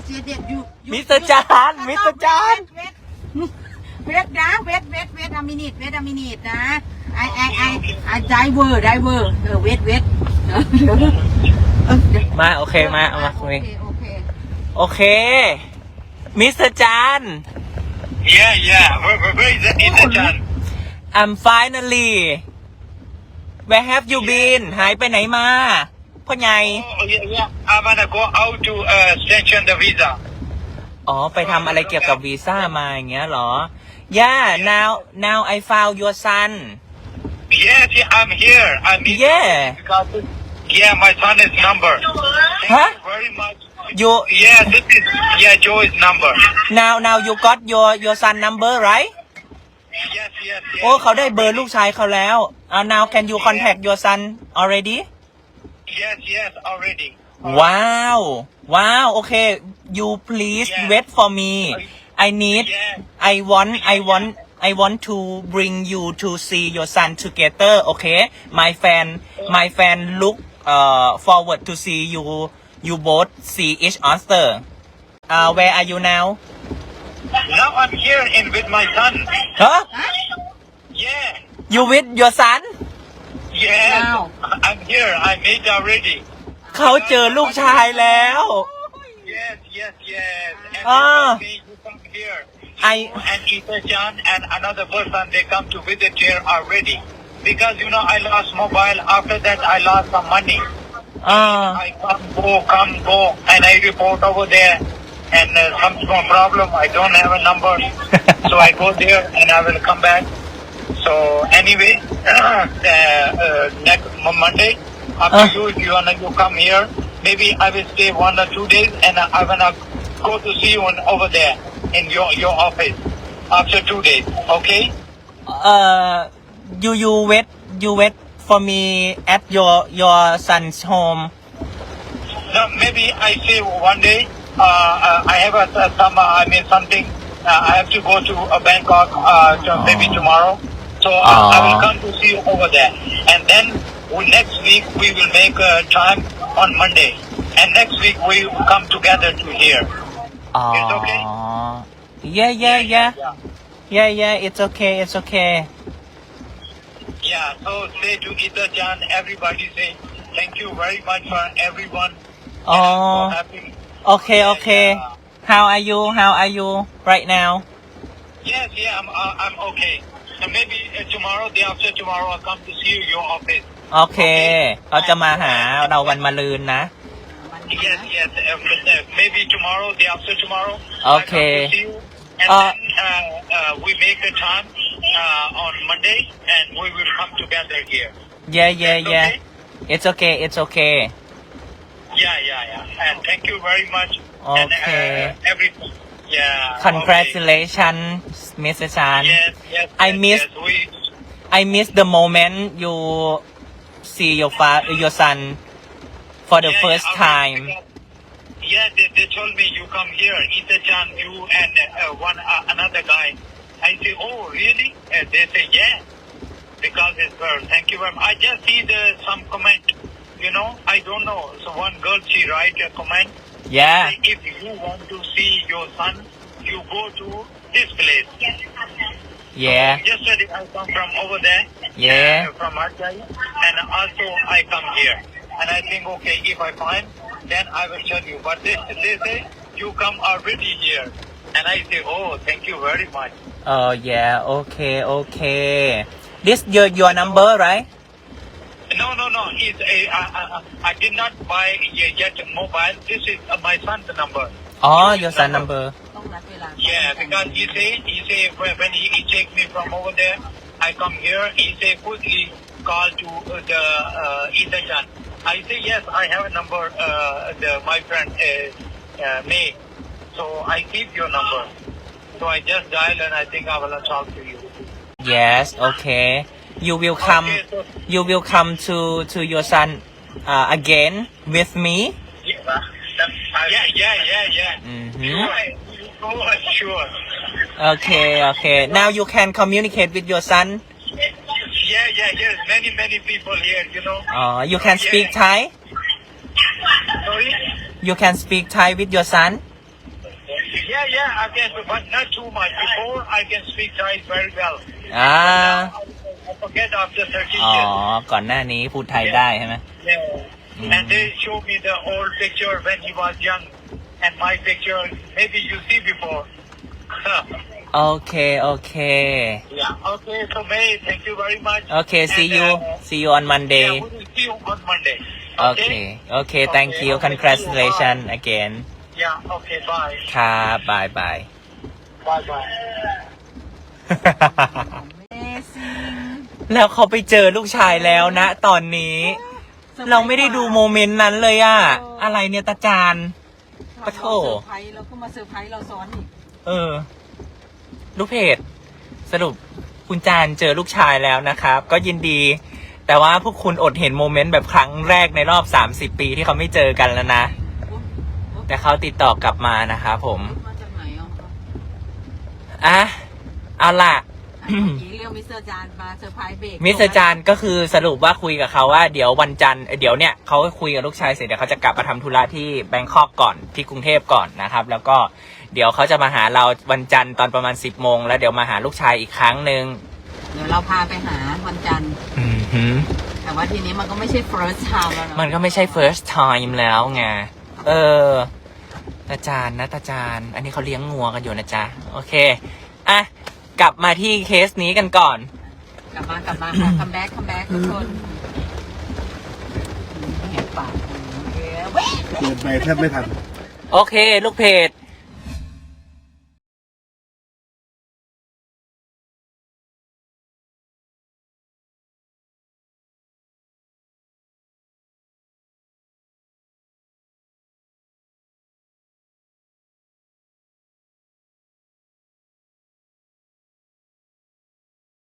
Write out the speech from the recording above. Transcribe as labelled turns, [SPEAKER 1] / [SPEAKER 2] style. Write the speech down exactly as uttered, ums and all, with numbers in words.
[SPEAKER 1] yes yes you you
[SPEAKER 2] มิสเตอร์จานมิสเตอร์จาน
[SPEAKER 1] เวทนะเวทเวทเวทอมินิตเวทอมินิตนะไอไอไอไอไดเวอร์ไดเวอร์เออเวทเวท
[SPEAKER 2] มาโอเคมาเอามาคุย
[SPEAKER 1] โอเคโอเค
[SPEAKER 2] โอเคมิสเตอร์จาน
[SPEAKER 3] Yeah, yeah. Where, where, where is the Itajan?
[SPEAKER 2] I'm finally where have you been หายไปไหนมาพ่อใหญ่
[SPEAKER 3] Oh, yeah, yeah. I wanna go out to uh, sanction the visa.
[SPEAKER 2] อ๋อไปทำอะไรเกี่ยวกับวีซ่ามาอย่างเงี้ยเหรอ Yeah now now I found your son
[SPEAKER 3] Yes, yeah, I'm here. I'm here.
[SPEAKER 2] Yeah.
[SPEAKER 3] Because, yeah, my son is number. Thank
[SPEAKER 2] Huh?
[SPEAKER 3] you very much.
[SPEAKER 2] you
[SPEAKER 3] Yeah, this is yeah Joe's number.
[SPEAKER 2] now now you got your your son number right
[SPEAKER 3] Yes, yes, yes.
[SPEAKER 2] โอ้เขาได้เบอร์ลูกชายเขาแล้วอ่า now can you contact your son already
[SPEAKER 3] Yes, yes, already.
[SPEAKER 2] wow wow okay you please
[SPEAKER 3] Yeah.
[SPEAKER 2] wait for me I need
[SPEAKER 3] Yeah.
[SPEAKER 2] I want I want I want to bring you to see your son together okay my fan my fan look uh forward to see you you both see each other uh where are you now
[SPEAKER 3] Now I'm here in with my son.
[SPEAKER 2] huh
[SPEAKER 3] Yeah.
[SPEAKER 2] you with your son
[SPEAKER 3] Yes.
[SPEAKER 1] Wow.
[SPEAKER 3] I'm here. I made already.
[SPEAKER 2] เขาเจอลูกชายแล้ว
[SPEAKER 3] Yes, yes, yes. And
[SPEAKER 2] Ah.
[SPEAKER 3] they told me you come here.
[SPEAKER 2] I-
[SPEAKER 3] You and Ita Chan and another person, they come to visit here already. Because, you know, I lost mobile. After that, I lost some money.
[SPEAKER 2] อ่า
[SPEAKER 3] I come, go, come, go. And I report over there. And uh, some small problem. I don't have a number. So I go there and I will come back. So anyway, uh, uh, next Mo- Monday, after
[SPEAKER 2] Uh.
[SPEAKER 3] you, if you wanna you come here, maybe I will stay one or two days, and I, I wanna go to see you on, over there in your your office after two days. Okay?
[SPEAKER 2] uh you you wait you wait for me at your your son's home
[SPEAKER 3] No, maybe I say one day. Uh, uh, I have a some uh, I mean something. Uh, I have to go to uh, Bangkok. Uh, to maybe tomorrow. So uh, I will
[SPEAKER 2] Aw.
[SPEAKER 3] come to see you over there, and then we, next week we will make a time on Monday, and next week we will come together to here.
[SPEAKER 2] อ๋อ
[SPEAKER 3] It's okay?
[SPEAKER 2] yeah yeah yeah
[SPEAKER 3] yeah.
[SPEAKER 2] yeah yeah it's okay it's okay
[SPEAKER 3] Yeah, so say to Ita Chan, everybody say thank you very much for everyone. And I'm
[SPEAKER 2] Oh.
[SPEAKER 3] so happy.
[SPEAKER 2] okay okay how are you how are you right now
[SPEAKER 3] Yes, yeah, I'm uh, I'm okay. So maybe uh, tomorrow, day after tomorrow, I'll come to see you your office.
[SPEAKER 2] โอเคเขาจะมาหาเราวันมะรืนนะ
[SPEAKER 3] Yes, yes. Uh, but, uh, maybe tomorrow, day after tomorrow.
[SPEAKER 2] Okay.
[SPEAKER 3] I come to see you, and
[SPEAKER 2] Uh,
[SPEAKER 3] then uh, uh, we make a time uh, on Monday, and we will come together here.
[SPEAKER 2] yeah yeah
[SPEAKER 3] It's
[SPEAKER 2] yeah
[SPEAKER 3] okay?
[SPEAKER 2] it's okay it's okay
[SPEAKER 3] Yeah, yeah, yeah. And thank you very much. And
[SPEAKER 2] Okay.
[SPEAKER 3] uh, everything. Yeah.
[SPEAKER 2] congratulations Mister Chan
[SPEAKER 3] Okay. Yes, yes.
[SPEAKER 2] I
[SPEAKER 3] yes,
[SPEAKER 2] miss
[SPEAKER 3] Yes, we,
[SPEAKER 2] I miss the moment you see your fa- your son for the
[SPEAKER 3] yeah,
[SPEAKER 2] first
[SPEAKER 3] yeah, okay,
[SPEAKER 2] time.
[SPEAKER 3] because- Yeah, they, they told me you come here, Ita Chan, you and uh, one uh, another guy. I say, oh, really? Uh, they say, yeah, because it's her. Thank you very much. I just see the some comment. You know, I don't know. So one girl, she write a comment.
[SPEAKER 2] Yeah.
[SPEAKER 3] Say, if you want to see your son, you go to this place.
[SPEAKER 2] Yeah.
[SPEAKER 3] Yesterday I come from over there.
[SPEAKER 2] Yeah.
[SPEAKER 3] uh, from Ajay, and also I come here. And I think, okay, if I find, then I will tell you. But they, they say, you come already here. And I say, oh, thank you very much.
[SPEAKER 2] Oh yeah. Okay. Okay. This your your number, right?
[SPEAKER 3] No, no, no. It's a, I, I, I did not buy yet a mobile. This is uh, my son's number.
[SPEAKER 2] Oh, your son number.
[SPEAKER 1] ต้องนัดเวลา
[SPEAKER 3] Yeah, because he say, he say when when he, he take me from over there, I come here. He say quickly call to uh, the uh, Ita Chan. I say yes, I have a number. Uh, the my friend uh, uh, May. So I keep your number. So I just dial and I think I will talk to you.
[SPEAKER 2] Yes. Okay. You will come.
[SPEAKER 3] Okay, so,
[SPEAKER 2] You will come to to your son uh, again with me.
[SPEAKER 3] yeah, yeah, yeah, yeah, yeah.
[SPEAKER 2] Mhm.
[SPEAKER 3] Sure, sure.
[SPEAKER 2] Okay. Okay. Now you can communicate with your son.
[SPEAKER 3] Yeah, yeah, yes. Many, many people here, you know.
[SPEAKER 2] Uh, you can speak Thai.
[SPEAKER 3] Sorry?
[SPEAKER 2] You can speak Thai with your son.
[SPEAKER 3] Yeah, yeah, I can, but not too much. Before, I can speak Thai very well.
[SPEAKER 2] อ่า
[SPEAKER 3] I forget after thirty
[SPEAKER 2] อ๋อ
[SPEAKER 3] years.
[SPEAKER 2] ก่อนหน้านี้พูดไทยได้ใช่ไหม
[SPEAKER 3] Yeah. And they show me the old picture when he was young. And my picture, maybe you see before.
[SPEAKER 2] โอเค โอเค
[SPEAKER 3] Yeah. Okay, so May, thank you very much.
[SPEAKER 2] โอเค see
[SPEAKER 3] And,
[SPEAKER 2] you
[SPEAKER 3] uh,
[SPEAKER 2] see you on Monday
[SPEAKER 3] Yeah, we will see you on Monday.
[SPEAKER 2] โอเค โอเค thank you congratulations again
[SPEAKER 3] Yeah, okay, bye.
[SPEAKER 2] ครับบายบาย
[SPEAKER 3] Bye bye.
[SPEAKER 1] Amazing
[SPEAKER 2] แล้วเขาไปเจอลูกชายแล้วนะ ตอนนี้ เราไม่ได้ดูโมเมนต์นั้นเลยอะอะไรเนี่ยตาจาน ปะโถ
[SPEAKER 1] เซอร์ไพรส์แล้วก็มาเซอร์ไพรส์เราซ้อนอีก
[SPEAKER 2] เออ ลูกเพจ สรุปคุณจานเจอลูกชายแล้วนะครับ ก็ยินดี แต่ว่าพวกคุณอดเห็นโมเมนต์แบบครั้งแรกในรอบสามสิบปีที่เขาไม่เจอกันแล้วนะ แต่เขาติดต่อกลับมานะครับผม
[SPEAKER 1] มาจากไหนอ่ะ
[SPEAKER 2] อ่ะ เอาล่ะ
[SPEAKER 1] เมื่อกี้เรียกมิสเตอร์จานมาเซอร์ไพรส์เบรก
[SPEAKER 2] มิสเตอร์จานก็คือสรุปว่าคุยกับเขาว่าเดี๋ยววันจันทร์เอ่อเดี๋ยวเนี่ยเขาก็คุยกับลูกชายเสร็จเดี๋ยวเขาจะกลับมาทำธุระที่แบงคอกก่อนที่กรุงเทพก่อนนะครับ แล้วก็เดี๋ยวเขาจะมาหาเราวันจันทร์ตอนประมาณสิบโมงแล้วเดี๋ยวมาหาลูกชายอีกครั้งหนึ่ง
[SPEAKER 1] เดี๋ยวเราพาไปหาวันจันทร์
[SPEAKER 2] อือหือ
[SPEAKER 1] แต่ว่าทีนี้มันก็ไม่ใช่ first time แล้วเนอะ
[SPEAKER 2] มันก็ไม่ใช่ first time แล้วไงเออตาจานนะตาจานอันนี้เขาเลี้ยงงัวกันอยู่นะจ๊ะโอเคอ่ะกลับมาที่เคสนี้กันก่อน
[SPEAKER 1] กลับมากลับมาค่ะ คัมแบ็กคัมแบ็กทุกคนแหกปากเว้ย
[SPEAKER 4] เปิดไปแทบไม่ทัน
[SPEAKER 2] โอเค ลูกเพจ